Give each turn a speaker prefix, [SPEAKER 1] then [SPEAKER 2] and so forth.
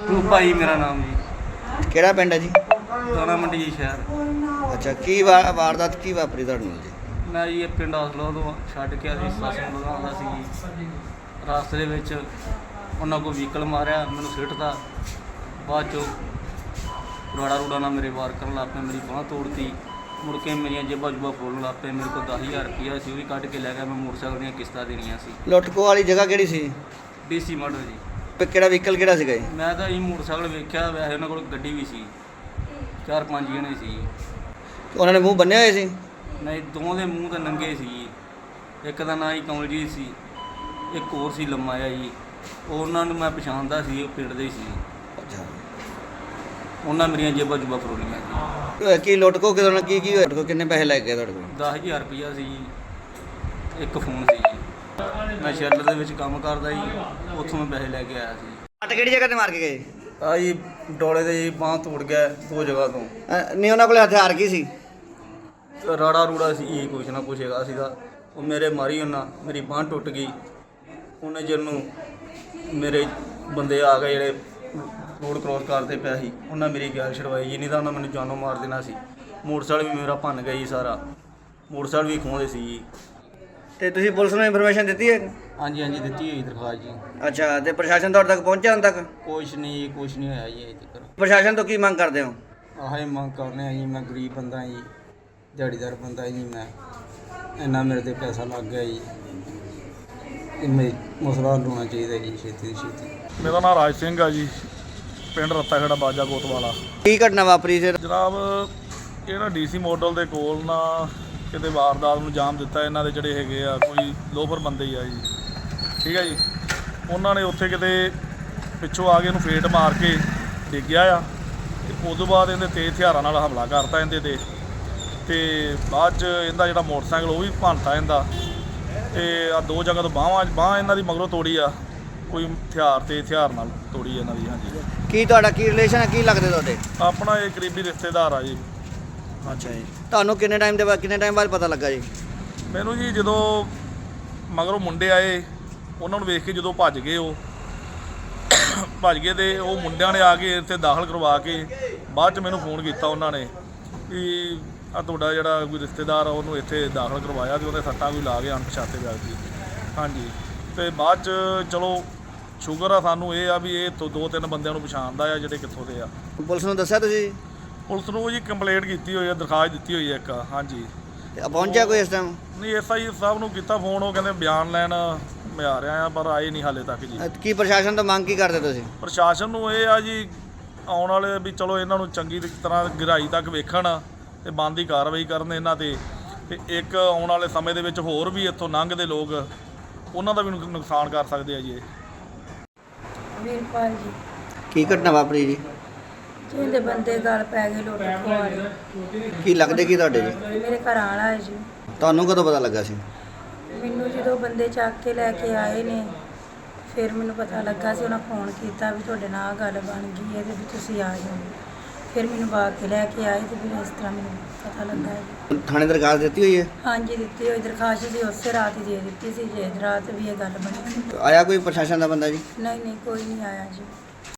[SPEAKER 1] ਭਾਈ ਮੇਰਾ ਨਾਮ ਜੀ।
[SPEAKER 2] ਕਿਹੜਾ ਪਿੰਡ ਹੈ ਜੀ?
[SPEAKER 1] ਦਾਣਾ ਮੰਡੀ ਜੀ ਸ਼ਹਿਰ।
[SPEAKER 2] ਅੱਛਾ, ਕੀ ਵਾਰਦਾਤ ਕੀ ਵਾਪਰੀ ਤੁਹਾਡੇ ਨਾਲ ਜੀ?
[SPEAKER 1] ਮੈਂ ਜੀ ਇਹ ਪਿੰਡ ਹਸਲੋ ਤੋਂ ਛੱਡ ਕੇ ਅਸੀਂ ਸੱਸ ਨੂੰ ਲਗਾਉਂਦਾ ਸੀ ਜੀ। ਰਾਸਤੇ ਦੇ ਵਿੱਚ ਉਹਨਾਂ ਕੋਲ ਵਹੀਕਲ ਮਾਰਿਆ, ਮੈਨੂੰ ਸਿੱਟਦਾ। ਬਾਅਦ 'ਚੋਂ ਰੂੜਾ ਨਾਲ ਮੇਰੇ ਵਾਰ ਕਰਨ ਲੱਗ ਪਏ, ਮੇਰੀ ਬਾਂਹ ਤੋੜਤੀ। ਮੁੜ ਕੇ ਮੇਰੀਆਂ ਜੇਬਾਂ ਜੁਬਾਂ ਫੋਲਣ ਲੱਗ ਪਏ। ਮੇਰੇ ਕੋਲ 10,000 ਰੁਪਈਆ ਸੀ, ਉਹ ਵੀ ਕੱਢ ਕੇ ਲੈ ਗਿਆ। ਮੈਂ ਮੋਟਰਸਾਈਕਲ ਦੀਆਂ ਕਿਸ਼ਤਾਂ ਦੇਣੀਆਂ ਸੀ।
[SPEAKER 2] ਲੁੱਟਖੋ ਵਾਲੀ ਜਗ੍ਹਾ ਕਿਹੜੀ ਸੀ?
[SPEAKER 1] ਡੀਸੀ ਮਾਡਲ ਜੀ।
[SPEAKER 2] ਤੇ ਕਿਹੜਾ ਵਹੀਕਲ ਕਿਹੜਾ ਸੀਗਾ ਜੀ?
[SPEAKER 1] ਮੈਂ ਤਾਂ ਇਹ ਮੋਟਰਸਾਈਕਲ ਵੇਖਿਆ, ਵੈਸੇ ਉਹਨਾਂ ਕੋਲ ਗੱਡੀ ਵੀ ਸੀ, 4-5 ਜਣੇ ਸੀ।
[SPEAKER 2] ਉਹਨਾਂ ਨੇ ਮੂੰਹ ਬੰਨ੍ਹੇ ਹੋਏ ਸੀ?
[SPEAKER 1] ਨਹੀਂ, ਦੋਵਾਂ ਦੇ ਮੂੰਹ ਤਾਂ ਨੰਗੇ ਸੀ। ਇੱਕ ਦਾ ਨਾਂ ਹੀ ਕਮਲਜੀਤ ਸੀ, ਇੱਕ ਹੋਰ ਸੀ ਲੰਮਾ ਜਿਹਾ ਜੀ। ਉਹਨਾਂ ਨੂੰ ਮੈਂ ਪਛਾਣਦਾ ਸੀ, ਉਹ ਪਿੰਡ ਦੇ ਸੀ।
[SPEAKER 2] ਅੱਛਾ,
[SPEAKER 1] ਉਹਨਾਂ ਮੇਰੀਆਂ ਜੇਬਾਂ ਜੁਬਾਂ ਫਰੋਲੀਆਂ ਜੀ।
[SPEAKER 2] ਕੀ ਲੁੱਟਖੋ ਕਿਦੋਂ ਨਾਲ ਕੀ ਹੋਇਆ? ਲੁੱਟਖੋ ਕਿੰਨੇ ਪੈਸੇ ਲੈ ਗਏ ਤੁਹਾਡੇ ਕੋਲ?
[SPEAKER 1] 10,000 ਰੁਪਈਆ ਸੀ ਜੀ, ਇੱਕ ਫੋਨ ਸੀ ਜੀ। ਮੈਂ ਸ਼ੈਲਰ ਦੇ ਵਿੱਚ ਕੰਮ ਕਰਦਾ ਜੀ, ਉੱਥੋਂ ਮੈਂ ਪੈਸੇ ਲੈ ਕੇ ਆਇਆ ਸੀ।
[SPEAKER 2] ਅੱਟ ਕਿਹੜੀ ਜਗ੍ਹਾ ਤੇ ਮਾਰ ਕੇ ਗਏ?
[SPEAKER 1] ਆ ਜੀ ਡੋਲੇ ਦੇ ਜੀ ਬਾਂਹ ਤੋੜ ਗਿਆ 2 ਜਗ੍ਹਾ ਤੋਂ।
[SPEAKER 2] ਨਹੀਂ, ਉਹਨਾਂ ਕੋਲ ਹਥਿਆਰ ਕੀ ਸੀ?
[SPEAKER 1] ਰਾੜਾ ਰੂੜਾ ਸੀ ਜੀ, ਕੁਛ ਨਾ ਕੁਛ ਹੈਗਾ ਸੀਗਾ। ਉਹ ਮੇਰੇ ਮਾਰੀ, ਉਹਨਾਂ ਮੇਰੀ ਬਾਂਹ ਟੁੱਟ ਗਈ। ਉਹਨੇ ਜਿਹਨੂੰ ਮੇਰੇ ਬੰਦੇ ਆ ਗਏ ਜਿਹੜੇ ਰੋਡ ਕ੍ਰੋਸ ਕਰਦੇ ਪਿਆ ਸੀ, ਉਹਨਾਂ ਮੇਰੀ ਗੈਲ ਛਡਵਾਈ ਜੀ, ਨਹੀਂ ਤਾਂ ਉਹਨਾਂ ਮੈਨੂੰ ਜਾਨੋਂ ਮਾਰ ਦੇਣਾ ਸੀ। ਮੋਟਰਸਾਈਕਲ ਵੀ ਮੇਰਾ ਭੰਨ ਗਿਆ ਜੀ ਸਾਰਾ, ਮੋਟਰਸਾਈਕਲ ਵੀ ਖੋਹਦੇ ਸੀ ਜੀ।
[SPEAKER 2] ਤੇ ਤੁਸੀਂ ਪੁਲਿਸ ਨੂੰ ਇਨਫੋਰਮੇਸ਼ਨ ਦਿੱਤੀ ਹੈ?
[SPEAKER 1] ਹਾਂਜੀ ਦਿੱਤੀ ਹੋਈ ਦਰਖਾਸਤ ਜੀ।
[SPEAKER 2] ਅੱਛਾ, ਤੇ ਪ੍ਰਸ਼ਾਸਨ ਤੁਹਾਡੇ ਤੱਕ ਪਹੁੰਚਿਆ ਹੁਣ ਤੱਕ?
[SPEAKER 1] ਕੁਛ ਨਹੀਂ ਹੋਇਆ ਜੀ ਅਜੇ ਤੱਕ।
[SPEAKER 2] ਪ੍ਰਸ਼ਾਸਨ ਤੋਂ ਕੀ ਮੰਗ ਕਰਦੇ ਹੋ?
[SPEAKER 1] ਆਹ ਹੀ ਮੰਗ ਕਰਨੇ ਆ ਜੀ। ਮੈਂ ਗਰੀਬ ਬੰਦਾ ਜੀ, ਦਿਹਾੜੀਦਾਰ ਬੰਦਾ ਜੀ। ਮੈਂ ਇੰਨਾ ਮੇਰੇ ਤੇ ਪੈਸਾ ਲੱਗ ਗਿਆ ਜੀ, ਇਹ ਮਸਲਾ ਹੱਲ ਹੋਣਾ ਚਾਹੀਦਾ ਜੀ ਛੇਤੀ ਤੋਂ ਛੇਤੀ।
[SPEAKER 3] ਮੇਰਾ ਨਾਮ ਰਾਜ ਸਿੰਘ ਆ ਜੀ, ਪਿੰਡ ਰੱਤਾਖੇੜਾ ਬਾਜਾ ਕੋਤਵਾਲਾ।
[SPEAKER 2] ਕੀ ਘਟਨਾ ਵਾਪਰੀ ਸੀ
[SPEAKER 3] ਜਨਾਬ, ਇਹ ਨਾ ਡੀਸੀ ਮਾਡਲ ਦੇ ਕੋਲ ਨਾ ਕਿਤੇ ਵਾਰਦਾਤ ਨੂੰ ਅੰਜਾਮ ਦਿੱਤਾ। ਇਹਨਾਂ ਦੇ ਜਿਹੜੇ ਹੈਗੇ ਆ ਕੋਈ ਲੋਫਰ ਬੰਦੇ ਹੀ ਆ ਜੀ, ਠੀਕ ਹੈ ਜੀ। ਉਹਨਾਂ ਨੇ ਉੱਥੇ ਕਿਤੇ ਪਿੱਛੋਂ ਆ ਕੇ ਇਹਨੂੰ ਫੇਟ ਮਾਰ ਕੇ ਡਿੱਗਿਆ ਆ, ਤੇ ਉਸ ਤੋਂ ਬਾਅਦ ਇਹਦੇ ਤੇਜ਼ ਹਥਿਆਰਾਂ ਨਾਲ ਹਮਲਾ ਕਰਤਾ ਇਹਦੇ ਤੇ ਬਾਅਦ 'ਚ ਇਹਦਾ ਜਿਹੜਾ ਮੋਟਰਸਾਈਕਲ ਉਹ ਵੀ ਭੰਨਤਾ ਇਹਦਾ। ਤੇ ਆ 2 ਜਗ੍ਹਾ ਤੋਂ ਬਾਂਹ ਇਹਨਾਂ ਦੀ ਮਗਰੋਂ ਤੋੜੀ ਆ, ਕੋਈ ਹਥਿਆਰ ਨਾਲ ਤੋੜੀ ਇਹਨਾਂ ਦੀ। ਹਾਂਜੀ।
[SPEAKER 2] ਕੀ ਤੁਹਾਡਾ ਕੀ ਰਿਲੇਸ਼ਨ ਹੈ? ਕੀ ਲੱਗਦੇ ਤੁਹਾਡੇ?
[SPEAKER 3] ਆਪਣਾ ਇਹ ਕਰੀਬੀ ਰਿਸ਼ਤੇਦਾਰ ਆ ਜੀ।
[SPEAKER 2] ਅੱਛਾ ਜੀ। ਤੁਹਾਨੂੰ ਕਿੰਨੇ ਟਾਈਮ ਬਾਅਦ ਪਤਾ ਲੱਗਾ ਜੀ?
[SPEAKER 3] ਮੈਨੂੰ ਜੀ ਜਦੋਂ ਮਗਰੋਂ ਮੁੰਡੇ ਆਏ, ਉਹਨਾਂ ਨੂੰ ਵੇਖ ਕੇ ਜਦੋਂ ਭੱਜ ਗਏ ਤੇ ਉਹ ਮੁੰਡਿਆਂ ਨੇ ਆ ਕੇ ਇੱਥੇ ਦਾਖਲ ਕਰਵਾ ਕੇ ਬਾਅਦ 'ਚ ਮੈਨੂੰ ਫੋਨ ਕੀਤਾ ਉਹਨਾਂ ਨੇ ਵੀ ਆ ਤੁਹਾਡਾ ਜਿਹੜਾ ਕੋਈ ਰਿਸ਼ਤੇਦਾਰ ਆ ਉਹਨੂੰ ਇੱਥੇ ਦਾਖਲ ਕਰਵਾਇਆ ਤੇ ਉਹਦੇ ਸੱਟਾਂ ਕੋਈ ਲਾ ਕੇ ਅਣਪਛਾਤੇ ਵਿਅਕਤੀ। ਹਾਂਜੀ। ਤੇ ਬਾਅਦ 'ਚ ਚਲੋ ਸ਼ੁਕਰ ਆ ਸਾਨੂੰ ਇਹ ਆ ਵੀ ਇਹ 2-3 ਬੰਦਿਆਂ ਨੂੰ ਪਛਾਣਦਾ ਆ ਜਿਹੜੇ ਕਿੱਥੋਂ ਦੇ ਆ।
[SPEAKER 2] ਪੁਲਿਸ ਨੂੰ ਦੱਸਿਆ ਤੁਸੀਂ?
[SPEAKER 3] ਪੁਲਿਸ ਨੂੰ ਜੀ ਕੰਪਲੇਂਟ ਕੀਤੀ ਹੋਈ ਹੈ, ਦਰਖਾਸਤ ਦਿੱਤੀ ਹੋਈ ਹੈ ਇੱਕ। ਹਾਂਜੀ।
[SPEAKER 2] ਪਹੁੰਚਿਆ ਕੋਈ ਇਸ ਟਾਈਮ?
[SPEAKER 3] ਨਹੀਂ, SI ਸਾਹਿਬ ਨੂੰ ਕੀਤਾ ਫੋਨ, ਉਹ ਕਹਿੰਦੇ ਬਿਆਨ ਲੈਣ ਮੈਂ ਆ ਰਿਹਾ ਆ, ਪਰ ਆਏ ਨਹੀਂ ਹਾਲੇ ਤੱਕ ਜੀ।
[SPEAKER 2] ਕੀ ਪ੍ਰਸ਼ਾਸਨ ਤੋਂ ਮੰਗ ਕੀ ਕਰਦੇ ਤੁਸੀਂ?
[SPEAKER 3] ਪ੍ਰਸ਼ਾਸਨ ਨੂੰ ਇਹ ਆ ਜੀ, ਆਉਣ ਵਾਲੇ ਵੀ ਚਲੋ ਇਹਨਾਂ ਨੂੰ ਚੰਗੀ ਤਰ੍ਹਾਂ ਗਹਿਰਾਈ ਤੱਕ ਵੇਖਣ ਤੇ ਬਣਦੀ ਕਾਰਵਾਈ ਕਰਨ ਇਹਨਾਂ ਤੇ ਇੱਕ ਆਉਣ ਵਾਲੇ ਸਮੇਂ ਦੇ ਵਿੱਚ ਹੋਰ ਵੀ ਇੱਥੋਂ ਲੰਘਦੇ ਲੋਕ ਉਹਨਾਂ ਦਾ ਵੀ ਨੁਕਸਾਨ ਕਰ ਸਕਦੇ ਆ ਜੀ।
[SPEAKER 4] ਵੀਰਪਾਲ ਜੀ।
[SPEAKER 2] ਕੀ ਘਟਨਾ ਵਾਪਰੀ ਜੀ?
[SPEAKER 4] ਜਿਹਦੇ ਬੰਦੇ ਗੱਲ ਪੈ ਗਏ ਲੁੱਟ ਖੋਹ ਵਾਲੇ।
[SPEAKER 2] ਕੀ ਲੱਗਦੇ ਕੀ ਤੁਹਾਡੇ ਜੀ?
[SPEAKER 4] ਮੇਰੇ ਘਰ ਵਾਲਾ ਹੈ ਜੀ।
[SPEAKER 2] ਤੁਹਾਨੂੰ ਕਦੋਂ ਪਤਾ ਲੱਗਾ ਸੀ?
[SPEAKER 4] ਮੈਨੂੰ ਜਦੋਂ ਬੰਦੇ ਚੱਕ ਕੇ ਲੈ ਕੇ ਆਏ ਨੇ, ਫਿਰ ਮੈਨੂੰ ਪਤਾ ਲੱਗਾ ਸੀ। ਉਹਨਾਂ ਫੋਨ ਕੀਤਾ ਵੀ ਤੁਹਾਡੇ ਨਾਲ ਆਹ ਗੱਲ ਬਣ ਗਈ ਹੈ ਤੇ ਵੀ ਤੁਸੀਂ ਆ ਜਾਓ। ਫਿਰ ਮੈਨੂੰ ਬਾਗ ਕੇ ਲੈ ਕੇ ਆਏ ਤੇ ਫਿਰ ਇਸ ਤਰ੍ਹਾਂ ਮੈਨੂੰ ਪਤਾ ਲੱਗਾ ਹੈ।
[SPEAKER 2] ਥਾਣੇ ਦਰਖਾਸਤ ਦਿੱਤੀ ਹੋਈ ਹੈ?
[SPEAKER 4] ਹਾਂਜੀ, ਦਿੱਤੀ ਹੋਈ ਦਰਖਾਸਤ ਸੀ, ਉਸੇ ਰਾਤ ਹੀ ਦੇ ਦਿੱਤੀ ਸੀ। ਜੇ ਰਾਤ ਵੀ ਇਹ ਗੱਲ ਬਣੀ ਸੀ।
[SPEAKER 2] ਆਇਆ ਕੋਈ ਪ੍ਰਸ਼ਾਸਨ ਦਾ ਬੰਦਾ ਜੀ?
[SPEAKER 4] ਨਹੀਂ ਕੋਈ ਨਹੀਂ ਆਇਆ ਜੀ।